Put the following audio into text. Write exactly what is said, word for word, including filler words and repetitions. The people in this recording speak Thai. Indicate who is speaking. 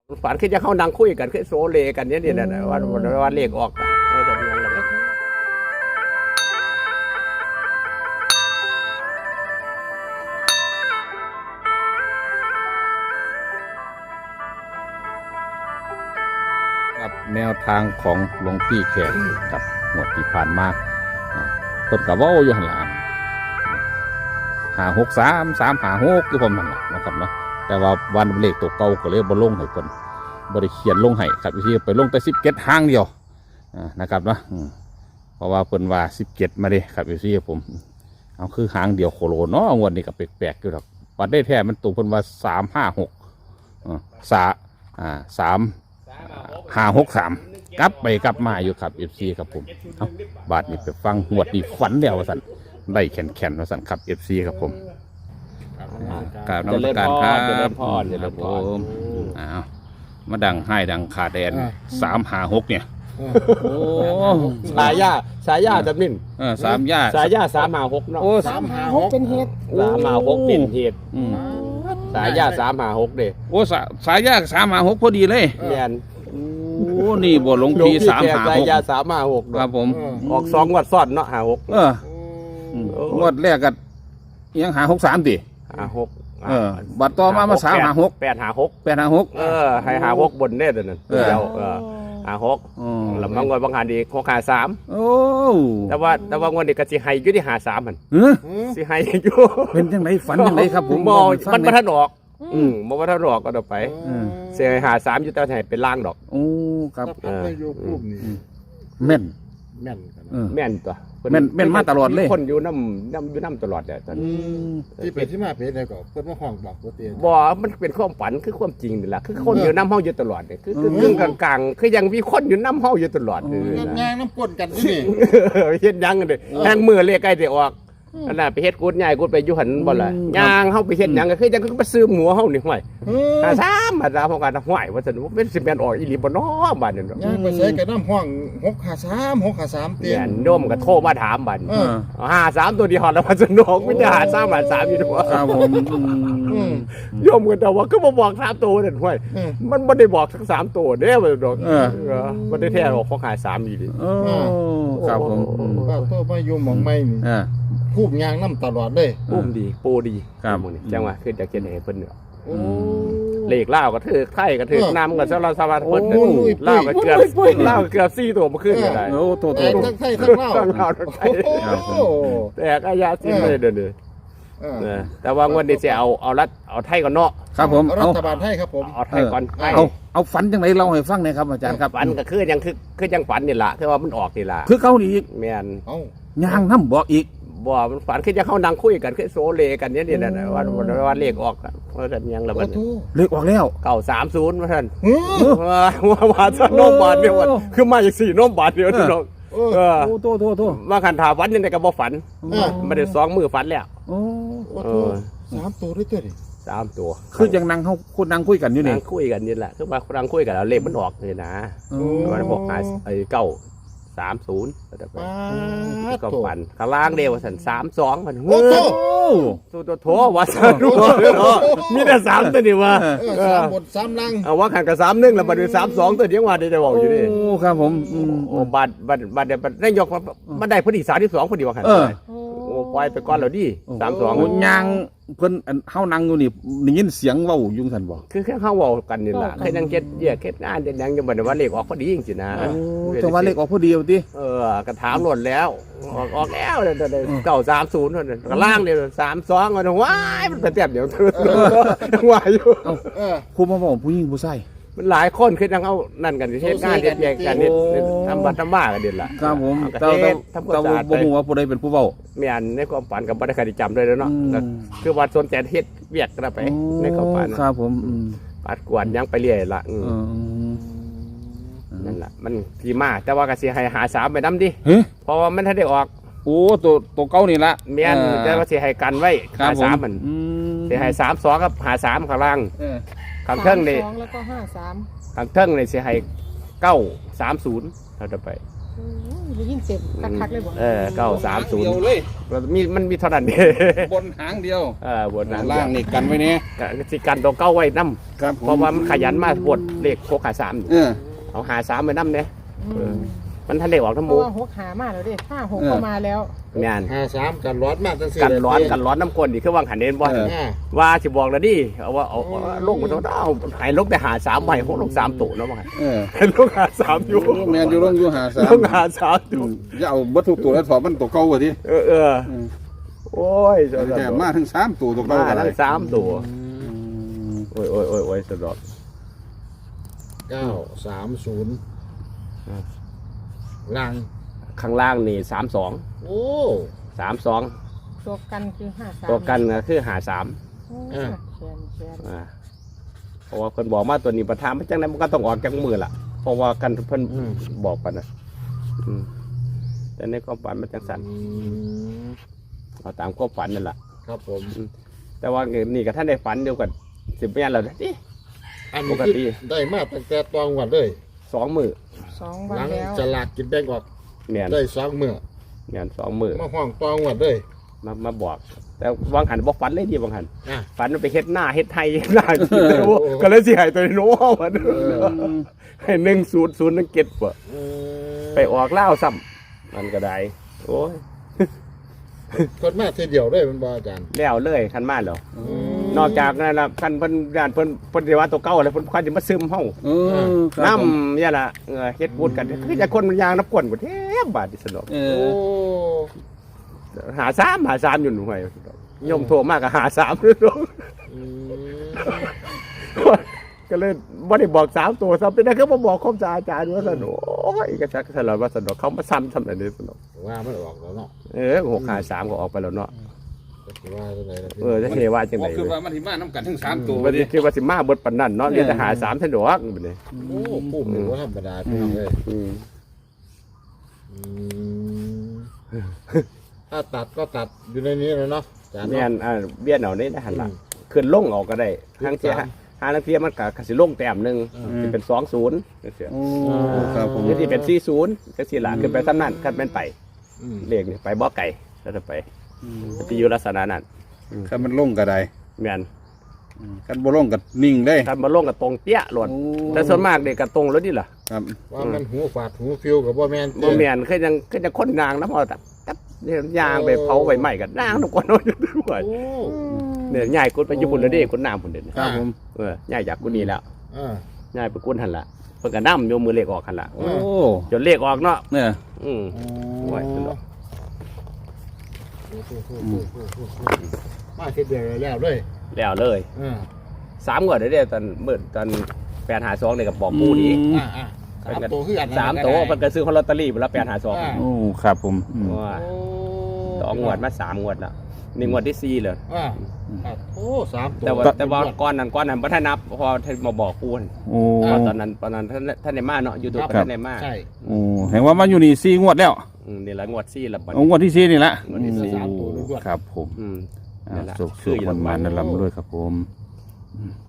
Speaker 1: ฝันคือจะเข้านั่งคุยกันคือโซเลกันเนี่ยนี่นะว่าว่าเลขออกเออแต่เรื่องอะไร
Speaker 2: กับแนวทางของหลวงพี่แขกกับหมวดที่ผ่านมาต้นกับว่าอยู่หันหลังหาหกสามสามหาหกคือผมหันหลังนะครับเนาะแต่ว่าวันเลขตัวเก่าก็เลยบนลงให้คนบริเขียนลงให้ครับที่ไปลงแต่สิบเก็ดห้างเดียวนะครับเนาะเพราะว่าเพิ่นว่าสิบเก็ดมาดิครับที่ผมเอาคือหางเดียวโคโลเนาะงวดนี้กับแปลกๆอยู่หรอกวัดได้แท้มันตรงเพิ่นว่าสามห้าหกสาอ่าสามห้าหกสามกลับไปกลับมาอยู่ครับเอฟซีครับผมเอาบาทนี้ไปฟังหวดนี่ฝันเดียวว่าสันได้แขนแขนว่าสันครับเอฟซีครับผมกราบนมัสการครับเจริญพรเจริญพรอ้าวมาดังให้ดังขาแดนสามห้าหกเนี่ยโอ้
Speaker 1: สายยาสายยาจำนิ่น
Speaker 2: เออสามย่า
Speaker 1: สายยาสามหาหกเนาะ
Speaker 2: โอ้
Speaker 3: สามหาหกเป็นเหตุ
Speaker 1: สามหาหกเป็นเหตุ
Speaker 2: อืม
Speaker 1: สายยาสามหาหกเด้
Speaker 2: โอ้สาสายย่าสามห้าหกพอดีเลย
Speaker 1: แมน
Speaker 2: โอ้นี่บ่หลวงพี่สามห้า
Speaker 1: สา
Speaker 2: ห
Speaker 1: ย
Speaker 2: ก
Speaker 1: ยาสามหาหก
Speaker 2: ครับผม
Speaker 1: ออกสองวัดซ้อนเนาะหาหก
Speaker 2: เออ งวดแรกกันยังหาหกสามดิ
Speaker 1: หาหก
Speaker 2: เออบัตรต่อมามาสามหาหก
Speaker 1: แปดหาหก
Speaker 2: แปดหาหก
Speaker 1: เออให้หาหกบนเน่เดี๋ยวนั้น
Speaker 2: เออ
Speaker 1: เดียวเออหาหก
Speaker 2: อ๋อ
Speaker 1: แล้วบางวันบางหันดีหกหาสาม
Speaker 2: โอ้
Speaker 1: แต่ว่าแต่ว่างวันนี้ก็สิให้อยู่ที่หาสามมัน
Speaker 2: เฮ้ย
Speaker 1: สิให้อยู่
Speaker 2: เป็นจังไรฝันจังไรครับผม
Speaker 1: มอง
Speaker 2: บอกให้ฟั
Speaker 1: มัน
Speaker 2: ง
Speaker 1: มา
Speaker 2: หอย
Speaker 1: ทันออกอืมมันมาทันออกก็เดี๋ยวไป
Speaker 2: เออ
Speaker 1: เสียหาสามอยู่แต่ไหนเป็นล่างดอก
Speaker 2: โอ้ครับ
Speaker 3: ถ้าไปอยู่กลุ่มนี่
Speaker 2: แม่น
Speaker 3: แม่นกัน
Speaker 2: เออ
Speaker 1: แม่นตัว
Speaker 2: แม่นแม่นมาตลอดเลย
Speaker 1: คนอยู่น้ำน้ำอยู่น้ำตลอดเลยตอนนี้
Speaker 3: ที่ไปที่มาเพจอะไรก็เพิ่นมาห้องบอกบ่เตียน
Speaker 1: บ่มันเป็นความฝันคือความจริงนี่แหละคือคนอยู่น้ำห้องอยู่ตลอดเนี่ยคือคือครึ่งกลางๆคือยังมีคนอยู่น้ำห้องอยู่ตลอดเลย
Speaker 3: งาน
Speaker 1: นะ
Speaker 3: งานน้ำก้นกันที่นี่
Speaker 1: เฮ็ดหยังกันเด้แทงมือเลขใกล้จะออกอันน่ะไปเฮ็ดกูดใหญ่กูดไปอยู่หันบ่ล่ะย่างเฮาไปเฮ็ดหยังก็คือจังคือไปซื้อหมูเฮานี่ห้วย
Speaker 3: เออ
Speaker 1: ถ้าซ้ำมาดาพอกันห้วยว่าซั่นว่าเป็นสิแม่นออกอีหลีบ่น้อบัดนี้เนาะ
Speaker 3: งานไปใส่กับน้ำห้องหกห้าสาม หกห้าสามเตีย
Speaker 1: เนี่ย
Speaker 3: น
Speaker 1: โยมก็โทรมาถามบัด
Speaker 3: เออ
Speaker 1: ห้าสามตัวเดียวแล้วว่าสนุกไม่ได้หาสามหาสามอยู่ด้วย
Speaker 2: ครับผม
Speaker 3: อืม
Speaker 1: โยมกันแต่ว่าก็มาบอกสามตัวนั่นห้วย
Speaker 3: เออ
Speaker 1: มันไม่ได้บอกทั้งสามตัวเด้อมันดอก
Speaker 2: เออ
Speaker 1: เออมันได้แท้หรอกเขาขายสามอีกดิ
Speaker 2: โอ้ครับผม
Speaker 3: ก็โตมาอยู่หมองไม่นี่
Speaker 2: อ่า
Speaker 3: คูบยางน้ำตลอดเลย
Speaker 1: ปุ้มดีปูดี
Speaker 2: ครับ
Speaker 1: หมู่นี่จังหวะขึ้นจากเขียนให้เพิ่นเนาะ
Speaker 3: โอ้
Speaker 1: เลขเล่าวก็ถือไข่ก็ถือน้ำก็สารสารเพิ่น
Speaker 3: โอ้ย
Speaker 1: เล่าวก็เกือบเล่าวก็เกือบสี่ตัวมาขึ้นก็ได้
Speaker 2: โอ้โตโต
Speaker 3: แต่
Speaker 2: โต
Speaker 3: ทั้งไทยทั้งเล่า
Speaker 1: ทั้งลาวทั้งไทย
Speaker 2: ครับผม
Speaker 3: โอ้
Speaker 1: แต่ก็ยาสิ้นเลยเด้อเด้อ
Speaker 3: เออ
Speaker 1: เออแต่ว่างวันนี้จะเอาเอารัดเอาไทยก่อนเนาะ
Speaker 2: ครับผม
Speaker 3: รั
Speaker 2: เอา
Speaker 3: ฐบาลไทยครับผม
Speaker 1: เอาไทยก่อนไทย
Speaker 2: เอาเอาฝันจังไรเล่าให้ฟังหน่อยครับอาจารย์ครับ
Speaker 1: ฝันก็คือยังคือคือยังฝันนี่ล่ะคือว่ามันออกนี่ล่ะ
Speaker 2: คือเขานี่อีก
Speaker 1: แม่น
Speaker 3: เอ้า
Speaker 2: ย่างน้ำบอกอีก
Speaker 1: บ่มันฝันคือจะเข้านั่งคุยกันคือโซเลกันเนี่ยนี่แหละนะว่าว่าว่าเลขออกอะว่าท่านยังละ
Speaker 3: โอ้
Speaker 1: มัน
Speaker 3: โห
Speaker 2: เลขออกแล้ว
Speaker 1: เก้าสามศูนย์ว่าท่าน
Speaker 3: เฮ้ย
Speaker 1: ว่าว่าว่าท่านโนมบาทเดียวว่าคือมาจากสี่โนมบาทเดียวนี่น้อง
Speaker 3: เออ
Speaker 1: เออ
Speaker 2: โอ้โตโตโต
Speaker 1: ว่าคันถาฝันยังไงก็บ่ฝัน
Speaker 3: เออ
Speaker 1: ไม่ได้สองมือฝันแล้ว
Speaker 2: โอ้
Speaker 3: โอ้โหสามตัวด้วยตัวดิ
Speaker 1: สามตัว
Speaker 2: คือยังนั่งเขาคุณนั่งคุยกันอยู่นี่
Speaker 1: นั่งคุยกันนี่แหละคือว่านั่งคุยกันแล้วเลขมันออกเลยนะ
Speaker 2: โอ้
Speaker 1: มันบอกหาไอ้เก้าสามศูนย์ก็
Speaker 3: ป้าด
Speaker 1: ก็
Speaker 3: ตัว
Speaker 1: ฝันข้างล่างเดียวว่าสันสามสองมัน
Speaker 3: โอ้โห
Speaker 1: ตัวตัวโถว่าสันรู้มีแต่สามตัวนี่ว่า
Speaker 3: เออสามบทสามลัง
Speaker 1: เอาว่าขันกับสามหนึ่งแล้วบัดนี้สามสองตัวเดียวว่าได้จะบอกอยู่นี่
Speaker 2: โอ้ครับผมอืม
Speaker 1: โอ้บัดบัดบัดเดี๋ยวบัดได้ยกมันได้พอดีสามที่สองพอดีว่าขัน
Speaker 2: เออ
Speaker 1: โอ้ปล่อยไปก่อนแล้วดิสามสอง
Speaker 2: โย่างเพิ่นอันเฮานั่งอยู่นี่ได้ยินเสียงเว้าอยุ่งสันบ่
Speaker 1: คือแค่เข้าเว้ากันนี่แหละแค่ยังเก็ดเยี่ยเก็ดงานเด็ดยังยังบัดว่าเลขออกพอดีจริงๆนะ
Speaker 2: โอ้แต่ว่าเลขออกพอดีเอาติ
Speaker 1: เออกระถามหล่นแล้วออกออกแล้วเดี๋ยวเก้าสามศูนย์นั่นกระล่างเดียวสามสองมันว้ายมันไปเต็มเดี๋ยวเธอว่าอยู่
Speaker 3: เออ
Speaker 2: ผู้มาบอกผู้หญิงผู้ชาย
Speaker 1: มันหลายคนคือจังเอานั่นกันที่เทศงานเด็ดแยกกันเด็ดทำบัตรทำบ้ากันเด็ดละ
Speaker 2: ครับผม
Speaker 1: กระ
Speaker 2: แต่
Speaker 1: เท
Speaker 2: แต่
Speaker 1: ศทำความ
Speaker 2: แต่
Speaker 1: สะอาด
Speaker 2: บ่ฮู้ว่าผู้ใดเป็นผู้เว้า
Speaker 1: เมียนในความฝันกับบัตรคดีจำเลยแล้วเนาะ
Speaker 2: อืม
Speaker 1: ก็คือวัดสนใจเฮ็ดเวียกกันไปในความฝัน
Speaker 2: ครับผมอืม
Speaker 1: ปัดกวนยังไปเรื่อยละอืม
Speaker 2: เออ
Speaker 1: นั่นแหละมันทีมาแต่ว่ากสิให้หาสามไปน้ำดิ
Speaker 2: เฮ้ย
Speaker 1: เพราะว่ามันถ้าได้ออก
Speaker 2: โอ้ตัวตัวเก่านี่ละ
Speaker 1: เมียนแต่ว่าสิให้กันไว้
Speaker 2: ครั
Speaker 1: หา
Speaker 2: บผ
Speaker 1: สามมัน
Speaker 2: อืม
Speaker 1: สิให้สามสองกับหาสามข้างล่าง
Speaker 2: เออ
Speaker 1: ข้างเทิงนี่
Speaker 4: สามสองแล้วก็ห้าสาม
Speaker 1: ข้างเทิงนี่สิให้เก้าสามศูนย์เราจะไป
Speaker 4: โอ้ยได้ยินเสียงคักๆเลยบ่
Speaker 1: เออเก้าสามศูนย์
Speaker 2: เดียวเลย
Speaker 1: มีมันมีเท่านั้นเด้
Speaker 2: บนหางเดียว
Speaker 1: เออบนนั้น
Speaker 2: ล่างนี่กันไว้เนี่ย
Speaker 1: ก็สิกันตัวเก้าไว้นำ
Speaker 2: ครับ
Speaker 1: เพราะว่ามันขยันมาบดเลขหกหาสาม
Speaker 2: เออ
Speaker 1: เอาหาสามไปนำเด้
Speaker 4: อืม
Speaker 1: มันทันได้ออกทั้ง
Speaker 4: เพ
Speaker 1: หมู่
Speaker 4: ราะว่าหกหามาแล้วเด้ห้าหกก็มาแล้ว
Speaker 1: แม่น
Speaker 3: ห้าสามกันร้อนมากจังสี่
Speaker 1: กันร้อนกันร้อนน้ำกลนนี่คือวางหันเด่นบ่
Speaker 2: เออ
Speaker 3: อ่า
Speaker 1: ว่าสิบอกแล้วดิเอาว่าเอาเอาลงมาต้องเอาหายลงแต่หาสามใหม่หกลงสามตัวเนาะว่า
Speaker 2: เออ
Speaker 1: ลงหาสามอยู่
Speaker 2: แมนอยู่ลงอยู่หาสาม
Speaker 1: ลงหาสามอยู่
Speaker 2: อย่าเอาวัตถุตัวแล้วถอดมันตัวเก่ากว่าที่
Speaker 1: เออเออโอ้ยสะด
Speaker 2: แต่
Speaker 1: อก
Speaker 2: มาถึงสามตัวตัวเก่า
Speaker 1: มา
Speaker 2: อะไร
Speaker 1: ทั้งสามตัวโอ้ยโอ้ยโอ้ยโอ้ยสะดอก
Speaker 3: เก้าสามศูนย์ลัง
Speaker 1: ข้างล่างนี่สามสอง
Speaker 3: โอ้
Speaker 1: สามสอง
Speaker 4: ตัวกันคือห้าสาม
Speaker 1: ตัวกันก็คือหาสาม
Speaker 4: โอ้ยแชนแชน
Speaker 1: อ่าเพราะว่าเพิ่นบอกมาตัวนี้ประธานมันจังไดมันก็ต้องออกจากมือล่ะเพราะว่ากันเพิ่นบอกปันน่ะอืมแต่ในความฝันมันจังสั่น
Speaker 3: อืม
Speaker 1: เอาตามความฝันนั่นแหละ
Speaker 3: ครับผม
Speaker 1: แต่ว่านี่กับท่านได้ฝันเดียวกันสิบปีแล้วนะนี่
Speaker 3: อัน
Speaker 1: ป
Speaker 3: นี้
Speaker 1: ก
Speaker 3: คือ
Speaker 1: ติ
Speaker 3: ได้มาตั้งแต่ตอนวันเลย
Speaker 1: สองมือ
Speaker 4: สองวัน
Speaker 3: หลัง
Speaker 4: แล้ว
Speaker 3: จะลากกินแบ่งออก
Speaker 1: เมียน
Speaker 3: ได้สองมื้อ
Speaker 1: เมียนสองมือ
Speaker 3: มาห้องตองวันเลย
Speaker 1: มามาบอก แต่วางหันบอกฝันเลยดีบางหัน
Speaker 3: อ่ะ
Speaker 1: ฝันมันไปเฮ็ดหน้าเฮ็ดไทยเฮ็ดหน้ากินเลยว่าก็เลยสิใหายตัวโน้มันให้หนึ่งศูนย์ศูนย์นึงเก็ดป่ะ
Speaker 3: อืม
Speaker 1: ไปออกเล่าวซ้ำมันก็ได้โอ้ย
Speaker 3: คนมาทีเดียวเลยมันบ่อาจารย์
Speaker 1: แล้วเลยคันมาแล้ว
Speaker 3: อืม
Speaker 1: นอกจากนั้นละคันเพิ่นญาติเพิ่นเพิ่นสิว่าตัวเก่าแล้วเพิ่นคันสิมาซึมเฮา
Speaker 2: เออครับ
Speaker 1: น้
Speaker 2: ผม
Speaker 1: ำเนี่ยล่ะเออเฮ็ดบุญกันคือจะคนมันยางน้ำก้นบ่แทบบาดที่สนอก
Speaker 2: เอ
Speaker 3: โอ้
Speaker 2: อ
Speaker 1: หาสามหาสามอยู่หน่วยโยมโทรมากก็หาสามเลยเนาะ
Speaker 3: อืม
Speaker 1: ก็เลยบ่ได้บอกสามตัวซ้ำเป็นได้ก็บ่บอกครบจาอาจารย์ว่าสนุกโอ้ยก็ชักสลับว่าสนุกเขามาซ้ำซ้ำอันนี้สนุก
Speaker 3: ว่ามันออกแล้วเนาะ
Speaker 1: เออหกหาสามก็ออกไปแล้วเนาะ
Speaker 3: ก็สิว่าจังไดล่ะพี่
Speaker 1: เออจะเทว่าจังได๋
Speaker 2: คือว่ามันที่มาน้ำกันทั้งสามตัว
Speaker 1: วันนี้คิดว่าสิมาเบิดปานนั้นเนาะเรียนแต่หาสามสนุกบัดนี้
Speaker 3: โอ้ปุ่มนี่ว่าธรรมดาพี่น้องเลย
Speaker 1: อืม
Speaker 3: อืมถ้าตัดก็ตัดอยู่ในนี้แล้วเนาะอาจารย์
Speaker 1: แม่น
Speaker 3: เนาะ
Speaker 1: อ่าเบี้ยนเอานี่ได้หันหลังขึ้นลงออกก็ได้ทางเสียหาทางเสียมันก็ก็สิลงแต้มหนึงสิเป็นสองศูนย์จังซี่
Speaker 2: โอ้ครับผม
Speaker 1: หรือสิเป็นสี่ศูนย์จังซี่ล่ะขึ้นไปซ้ำนั้นคันแม่นไป
Speaker 3: อืม
Speaker 1: เลขนี่ไปบ่ไก่แล้วจะไปสิอยู่ลักษณะนั้น
Speaker 2: คันมันลงก็ได้
Speaker 1: แม่น
Speaker 2: คันบ่ลงก็นิ่งได้
Speaker 1: คันมาลงกับตรงเปี้ยโลด
Speaker 2: โอ้
Speaker 1: แต่ส่วนมากเด็กก็ตรงแล้วนี่ล่ะ
Speaker 2: ครับ
Speaker 3: ว่ามันหูฝาดหูฟิวกับบ่แม่น
Speaker 1: บ่แม่นคือจังคือจังคนนางนะพอตับตับเนี่ยยางไปเผาใบไม้กันนางทุกคนเอาอยู่ด้วย
Speaker 3: โอ้
Speaker 1: เนี่ยย้ายกุดไปญี่ปุ่นแล้วเด้กุดน้ำพุ่นเด้
Speaker 2: ครับผม
Speaker 1: เออย้ายจากกุดนี้แล้ว
Speaker 3: อ่า
Speaker 1: ย้ายไปกุดหั่นล่ะเพิ่นก็นำโยมมือเลขออกหั่นล่ะ
Speaker 2: โอ้
Speaker 1: จนเลขออกเนาะ
Speaker 2: เนี่ย
Speaker 1: อืม โอ้ยสนุก
Speaker 3: มาทีเดียวแล้วเลย
Speaker 1: แล้วเลย
Speaker 3: อ่า
Speaker 1: สามงวดเด้อตอนมื้อตอนแปดหาสองนี่ก็บอกปู่ดี
Speaker 3: อ่าอ่าสามตัวคืออันนั้น
Speaker 1: สามตัวเพิ่นก็ซื้อของลอตเตอรี่พุ่นละแปดหาสอง
Speaker 3: อ่า
Speaker 2: โอ้ครับผมอืม
Speaker 1: ว่า
Speaker 3: โอ้
Speaker 1: สองงวดมาสามงวดแล้วนี่งวดที่สี่เลย
Speaker 3: อ่าอ่าโอ้สามตัว
Speaker 1: แต่ว่าแต่ว่าก้อนนั้นก้อนนั้นบ่ทันนับพอท่านมาบอกกูหั่น
Speaker 2: โอ้
Speaker 1: เพราะตอนนั้นตอนนั้นท่านท่านได้มาเนาะยูทูบ
Speaker 3: ครับ
Speaker 1: ท่านได้มา
Speaker 3: ใช่
Speaker 2: โอ้เห็นว่ามาอยู่นี่สี่งวดแล้ว
Speaker 1: อืมนี่ละงวดสี่ละบัด
Speaker 2: เอางวดที่สี่นี่ละ
Speaker 1: งวดที่สี่
Speaker 2: โอ้ครับผม
Speaker 1: อืม
Speaker 2: อ่า
Speaker 1: นี่ละ
Speaker 2: สุขสุขมันมันนั่นลำด้วยครับผม
Speaker 1: อ